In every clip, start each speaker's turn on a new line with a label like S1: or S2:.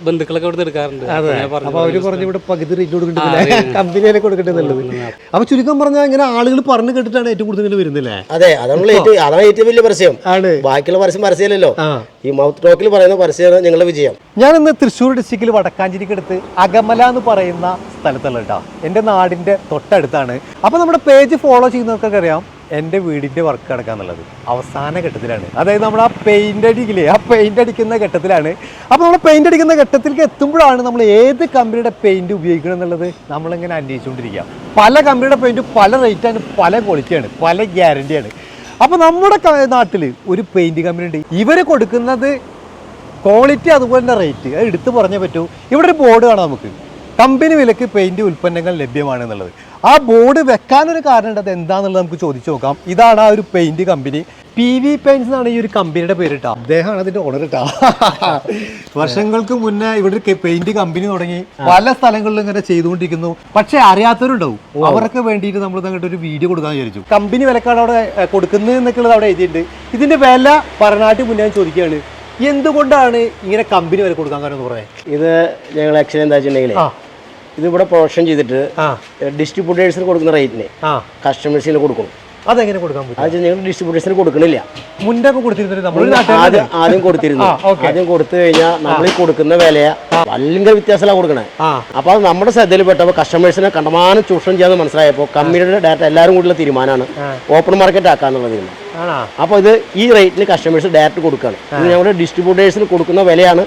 S1: ബന്ധുക്കളൊക്കെ ഇവിടെ എടുക്കാറുണ്ട്.
S2: അപ്പൊ അവര് പറഞ്ഞു ഇവിടെ പകുതി റേറ്റ് കൊടുക്കണ്ടേ, കമ്പനിയിലെ കൊടുക്കണ്ടെന്നുള്ളത്. അപ്പൊ ചുരുക്കം പറഞ്ഞാൽ ഇങ്ങനെ ആളുകൾ പറഞ്ഞു കേട്ടിട്ടാണ് ഏറ്റവും കൂടുതൽ വരുന്നില്ലേ?
S3: അതെ, അതാണ് ഏറ്റവും വലിയ പരസ്യം ആണ്. ബാക്കിയുള്ള പരസ്യമല്ലല്ലോ, ഈ മൗത്ത് ടോക്കിൽ പറയുന്ന പരസ്യമാണ് ഞങ്ങളുടെ വിജയം.
S2: ഞാൻ ഇന്ന് തൃശ്ശൂർ ഡിസ്ട്രിക്റ്റിൽ വടക്കാഞ്ചേരിക്കടുത്ത് അകമല എന്ന് പറയുന്ന സ്ഥലത്തുള്ള കേട്ടോ, എൻ്റെ നാടിൻ്റെ തൊട്ടടുത്താണ്. അപ്പോൾ നമ്മുടെ പേജ് ഫോളോ ചെയ്യുന്നവർക്കൊക്കെ അറിയാം എൻ്റെ വീടിൻ്റെ വർക്ക് നടക്കാന്നുള്ളത് അവസാന ഘട്ടത്തിലാണ്. അതായത് നമ്മൾ ആ പെയിൻ്റ് അടിക്കില്ലേ, ആ പെയിൻ്റ് അടിക്കുന്ന ഘട്ടത്തിലാണ്. അപ്പോൾ നമ്മൾ പെയിൻ്റ് അടിക്കുന്ന ഘട്ടത്തിലേക്ക് എത്തുമ്പോഴാണ് നമ്മൾ ഏത് കമ്പനിയുടെ പെയിൻറ് ഉപയോഗിക്കണം എന്നുള്ളത് നമ്മളിങ്ങനെ അന്വേഷിച്ചുകൊണ്ടിരിക്കുക. പല കമ്പനിയുടെ പെയിൻറ്റ് പല റേറ്റാണ്, പല ക്വാളിറ്റിയാണ്, പല ഗ്യാരണ്ടിയാണ്. അപ്പോൾ നമ്മുടെ നാട്ടിൽ ഒരു പെയിൻറ് കമ്പനി ഉണ്ട്, ഇവർ കൊടുക്കുന്നത് ക്വാളിറ്റി അതുപോലെ തന്നെ റേറ്റ് അത് എടുത്തു പറഞ്ഞേ പറ്റൂ. ഇവിടെ ഒരു ബോർഡ് കാണാം നമുക്ക്, കമ്പനി വിലക്ക് പെയിൻറ് ഉൽപ്പന്നങ്ങൾ ലഭ്യമാണ് എന്നുള്ളത്. ആ ബോർഡ് വെക്കാനൊരു കാരണം ഉണ്ട്, അത് എന്താണെന്നുള്ളത് നമുക്ക് ചോദിച്ചു നോക്കാം. ഇതാണ് ആ ഒരു പെയിൻറ് കമ്പനി, PV പെയിൻറ്റ്സ് എന്നാണ് ഈ ഒരു കമ്പനിയുടെ പേര് കേട്ടോ. അദ്ദേഹമാണ് അതിൻ്റെ ഓണർ കേട്ടോ. വർഷങ്ങൾക്ക് മുന്നേ ഇവിടെ ഒരു പെയിൻറ് കമ്പനി തുടങ്ങി പല സ്ഥലങ്ങളിലും ഇങ്ങനെ ചെയ്തുകൊണ്ടിരിക്കുന്നു. പക്ഷേ അറിയാത്തവരുണ്ടാവും, അവർക്ക് വേണ്ടിയിട്ട് നമ്മൾ അങ്ങോട്ട് ഒരു വീഡിയോ കൊടുക്കാൻ വിചാരിച്ചു. കമ്പനി വിലക്കാണ് അവിടെ കൊടുക്കുന്നത് എന്നൊക്കെയുള്ളത് അവിടെ എഴുതിയിട്ടുണ്ട്. ഇതിൻ്റെ വില പറഞ്ഞാട്ട് മുന്നേ ചോദിക്കുകയാണ്, എന്തുകൊണ്ടാണ് ഇങ്ങനെ കമ്പനി വില കൊടുക്കാൻ കാരണം എന്ന് പറയാൻ?
S3: ഇത് ഞങ്ങൾ ആക്ച്വലി എന്താ വെച്ചിട്ടുണ്ടെങ്കിൽ ഇതിവിടെ പ്രൊഡക്ഷൻ ചെയ്തിട്ട് ഡിസ്ട്രിബ്യൂട്ടേഴ്സിന് കൊടുക്കുന്ന റേറ്റിന് കസ്റ്റമേഴ്സിന് കൊടുക്കണം.
S2: അതെങ്ങനെ കൊടുക്കാൻ പറ്റും?
S3: അത് ഞങ്ങൾ ഡിസ്ട്രിബ്യൂട്ടേഴ്സിന് കൊടുക്കണില്ല.
S2: മുന്നേ കൊടുത്തിരുന്നു,
S3: ആദ്യം കൊടുത്തിരുന്നു. ആദ്യം കൊടുത്തു കഴിഞ്ഞാൽ നമ്മൾ ഈ കൊടുക്കുന്ന വിലയെ ഭയങ്കര വ്യത്യാസമാണ് കൊടുക്കണേ. അപ്പൊ അത് നമ്മുടെ ശ്രദ്ധയിൽപ്പെട്ടപ്പോൾ കസ്റ്റമേഴ്സിനെ കണ്ടമാനം ചൂഷണം ചെയ്യാന്ന് മനസ്സിലായപ്പോൾ കമ്പനിയുടെ ഡാറ്റ എല്ലാവരും കൂടിയുള്ള തീരുമാനമാണ് ഓപ്പൺ മാർക്കറ്റ് ആക്കാന്നുള്ള തീരുമാനം. അപ്പോൾ ഇത് ഈ റേറ്റിന് കസ്റ്റമേഴ്സ് ഡയറക്റ്റ് കൊടുക്കുകയാണ്. ഇത് ഞങ്ങളുടെ ഡിസ്ട്രിബ്യൂട്ടേഴ്സിന് കൊടുക്കുന്ന വിലയാണ്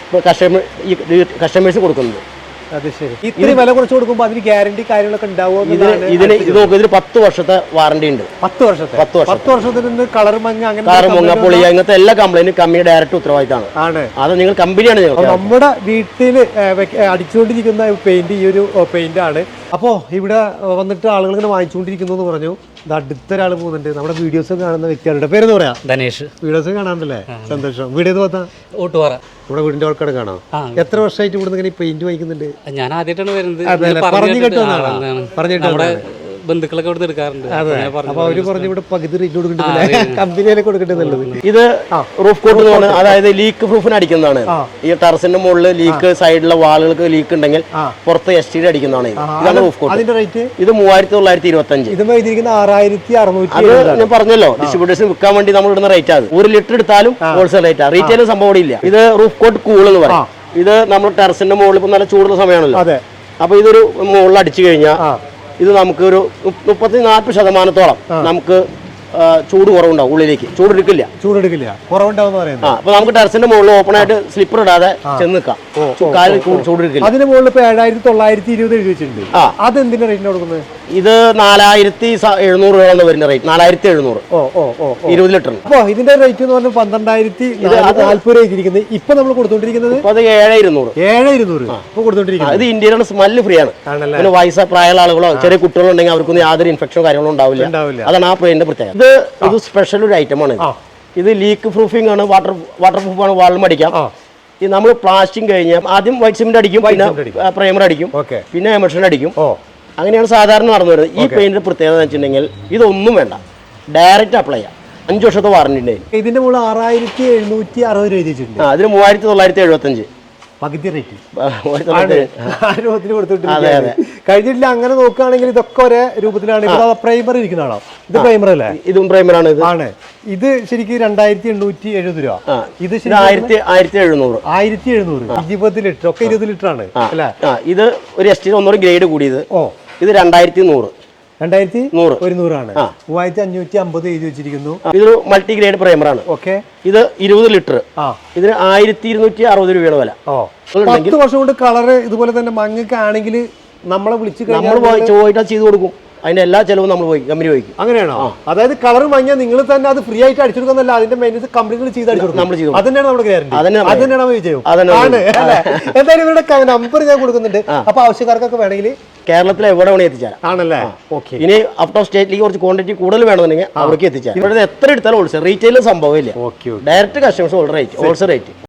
S3: കസ്റ്റമേഴ്സ് കൊടുക്കുന്നത്.
S2: അത് ശരി. ഇത്രയും വില കുറച്ച് കൊടുക്കുമ്പോൾ അതിന് ഗ്യാരണ്ടി കാര്യങ്ങളൊക്കെ ഉണ്ടാവുമോ?
S3: ഇതിന് 10 വർഷത്തെ വാറണ്ടി ഉണ്ട്.
S2: 10 വർഷത്തിന് കളർ മങ്ങ
S3: പൊളിയ അങ്ങനത്തെ എല്ലാ കംപ്ലൈന്റും കമ്പനി ഡയറക്റ്റ് ഉത്തരവാദിത്തമാണ്. അത് നിങ്ങൾ കമ്പനിയാണ്.
S2: നമ്മുടെ വീട്ടിൽ അടിച്ചുകൊണ്ടിരിക്കുന്ന പെയിന്റ് ഈ ഒരു പെയിന്റ് ആണ്. അപ്പോൾ ഇവിടെ വന്നിട്ട് ആളുകൾ ഇങ്ങനെ വാങ്ങിച്ചുകൊണ്ടിരിക്കുന്നു എന്ന് പറഞ്ഞു. ഇത് അടുത്തൊരാൾ പോകുന്നുണ്ട്, നമ്മുടെ വീഡിയോസ് കാണുന്ന വ്യക്തികളുടെ പേരെന്ന് പറയാം,
S1: ധനേഷ്.
S2: വീഡിയോസ് കാണാണ്ടല്ലേ, സന്തോഷം. വീഡിയോ പോത്താ
S1: ഓട്ടുപാറ
S2: നമ്മുടെ വീടിന്റെ ആൾക്കാരെ കാണാം. എത്ര വർഷമായിട്ട് ഇവിടെ ഇങ്ങനെ പെയിന്റ് വാങ്ങിക്കുന്നുണ്ട്?
S1: ഞാൻ ആദ്യമായിട്ടാണ് വരുന്നത്.
S2: പറഞ്ഞു കേട്ടോന്നാണ്, പറഞ്ഞിട്ട്
S1: ബന്ധുക്കളൊക്കെ ഇവിടെ എടുക്കാറുണ്ട്.
S2: അപ്പൊ അവര് പറഞ്ഞു ഇവിടെ പകുതി റേറ്റ് കൊടുക്കണ്ടേ, കമ്പനിയിലെ കൊടുക്കണ്ടെന്നുള്ളത്.
S3: ഇത് റൂഫ് കോട്ട് എന്ന് പറഞ്ഞാൽ അതായത് ലീക്ക് പ്രൂഫിന് അടിക്കുന്നതാണ്. ഈ ടെറസിന്റെ മുകളിൽ ലീക്ക്, സൈഡിലെ വാളുകൾക്ക് ലീക്ക് ഉണ്ടെങ്കിൽ പുറത്ത് STD അടിക്കുന്നതാണ്. ഇതാണ് റൂഫ് കോട്ട്.
S2: അതിന്റെ റേറ്റ്
S3: ഇത് 3925.
S2: ഇത് 6600.
S3: അത് ഞാൻ പറഞ്ഞല്ലോ, ഡിസ്ട്രിബ്യൂട്ടേഴ്സിന് വിൽക്കാൻ വേണ്ടി നമ്മൾ ഇടുന്ന റേറ്റ് ആണ്. 1 ലിറ്റർ എടുത്താലും ഹോൾസെയിൽ റേറ്റ്. റീറ്റെയിൽ സംഭവം ഇല്ല. ഇത് റൂഫ് കോട്ട് കൂൾ എന്ന് പറയും. ഇത് നമ്മൾ ടെറസിന്റെ മുകളിൽ ഇപ്പൊ നല്ല ചൂടുള്ള സമയമാണല്ലോ, അപ്പൊ ഇതൊരു മുകളിൽ അടിച്ചു കഴിഞ്ഞാൽ ഇത് നമുക്ക് ഒരു 30-40% നമുക്ക് ചൂട് കുറവുണ്ടാവും. ഉള്ളിലേക്ക് ചൂടെടുക്കില്ല. അപ്പൊ നമുക്ക് ടെറസിന്റെ മുകളിൽ ഓപ്പൺ ആയിട്ട് സ്ലിപ്പർ ഇടാതെ ചെന്ന് നിൽക്കാം. ചൂടെടുക്കില്ല.
S2: അതിന് മുകളിൽ 7920 എഴുതി വെച്ചിട്ടുണ്ട്. അതെന്തിന്റെ റേറ്റിന് കൊടുക്കുന്നത്?
S3: ഇത് 4700 രൂപ വരുന്ന റേറ്റ്. 4700 20 ലിറ്റർ.
S2: അപ്പൊ ഇതിന്റെ റേറ്റ് എന്ന് പറഞ്ഞാൽ 12,440 രൂപ ഇരിക്കുന്നത്. ഇപ്പൊ നമ്മൾ കൊടുത്തോണ്ടിരിക്കുന്നത്
S3: 7200
S2: ഇപ്പൊ കൊടുത്തോണ്ടിരിക്കുന്നത്.
S3: ഇത് ഇന്ത്യയിലാണ് സ്മെല്ല് ഫ്രീ ആണ്. പിന്നെ വയസ്സായ പ്രായമുള്ള ആളുകളോ ചെറിയ കുട്ടികളോ ഉണ്ടെങ്കിൽ അവർക്കൊന്നും യാതൊരു ഇൻഫെക്ഷനോ കാര്യങ്ങളോ ഉണ്ടാവില്ല. അതാണ് ആ പെയിന്റിന്റെ പ്രത്യേകത. ഇത് സ്പെഷ്യൽ ഒരു ഐറ്റമാണ്. ഇത് ലീക്ക് പ്രൂഫിംഗ് ആണ്, വാട്ടർ പ്രൂഫ് ആണ്, വാളിലും അടിക്കാം. ഈ നമ്മൾ പ്ലാസ്റ്റിക് കഴിഞ്ഞാൽ ആദ്യം വൈറ്റ് സിമെന്റ് അടിക്കും, പിന്നെ പ്രൈമർ അടിക്കും, പിന്നെ എമൽഷൻ അടിക്കും. അങ്ങനെയാണ് സാധാരണ നടന്നു വരുന്നത്. ഈ പെയിന്റിന്റെ പ്രത്യേകത എന്ന് വെച്ചിട്ടുണ്ടെങ്കിൽ ഇതൊന്നും വേണ്ട, ഡയറക്റ്റ് അപ്ലൈ ചെയ്യാം. 5 വർഷത്തെ വാറണ്ടി ഉണ്ട്.
S2: ഇതിന്റെ മുകളിൽ 6760 രൂപ എഴുതിയിട്ടുണ്ട്.
S3: അതിന് 3975
S2: പകുതി റേറ്റ് കഴിഞ്ഞിട്ടില്ല. അങ്ങനെ നോക്കുകയാണെങ്കിൽ ഇതൊക്കെ ഒരേ രൂപത്തിലാണ്. പ്രൈമർ ഇരിക്കുന്നതാണോ? ഇത് പ്രൈമർ അല്ലേ?
S3: ഇതും പ്രൈമറാണ്.
S2: ഇത് ശരിക്കും 2870 രൂപ. ഇത്
S3: 1700
S2: 20 ലിറ്റർ ഒക്കെ 20 ലിറ്റർ ആണ് അല്ലേ?
S3: ഇത് ഒരു STD ഒന്നുകൂടി ഗ്രേഡ് കൂടിയത്. ഇത് 2100
S2: ആണ്. 3550 എഴുതി വെച്ചിരിക്കുന്നു.
S3: ഇതൊരു മൾട്ടി ഗ്രേഡ് പ്രൈമറാണ്.
S2: ഓക്കെ.
S3: ഇത് 20 ലിറ്റർ. ഇതിന് 1260 രൂപയുടെ വില.
S2: 10 വർഷം കൊണ്ട് കളറ് ഇതുപോലെ തന്നെ മങ്ങക്കാണെങ്കിൽ നമ്മളെ വിളിച്ച്
S3: നമ്മൾ പോയിട്ട് ചെയ്ത് കൊടുക്കും. അതിന്റെ എല്ലാ ചെലവും നമ്മൾ പോയി കമ്പനി പോയിക്കും.
S2: അങ്ങനെയാണോ? അതായത് കളർ മങ്ങിയാൽ നിങ്ങൾ തന്നെ അത് ഫ്രീ ആയിട്ട് അടിച്ചെടുക്കുന്നല്ല, അതിന്റെ മെയിൻസ് കമ്പനികൾ ചെയ്ത് അടിച്ചെടുക്കും. അതന്നെയാണ് നമ്മുടെ ഗ്യാരണ്ടി. അതന്നെയാണ് വിജയം. എന്തായാലും ഇവരുടെ നമ്പർ ഞാൻ കൊടുക്കുന്നുണ്ട്. അപ്പൊ ആവശ്യക്കാർക്കൊക്കെ വേണമെങ്കിൽ
S3: കേരളത്തിൽ എവിടെ വേണമെങ്കിൽ എത്തിച്ചാൽ
S2: ആണല്ലേ?
S3: ഇനി ഔട്ട് ഓഫ് സ്റ്റേറ്റിലേക്ക് കുറച്ച് ക്വാണ്ടിറ്റി കൂടുതൽ വേണമെന്നുണ്ടെങ്കിൽ അവർക്ക് എത്തിച്ചാൽ. ഇവിടെ എത്ര എടുത്താലും ഹോൾസെയിൽ, റീറ്റെയിൽ സംഭവമില്ല. Direct customers wholesale rate.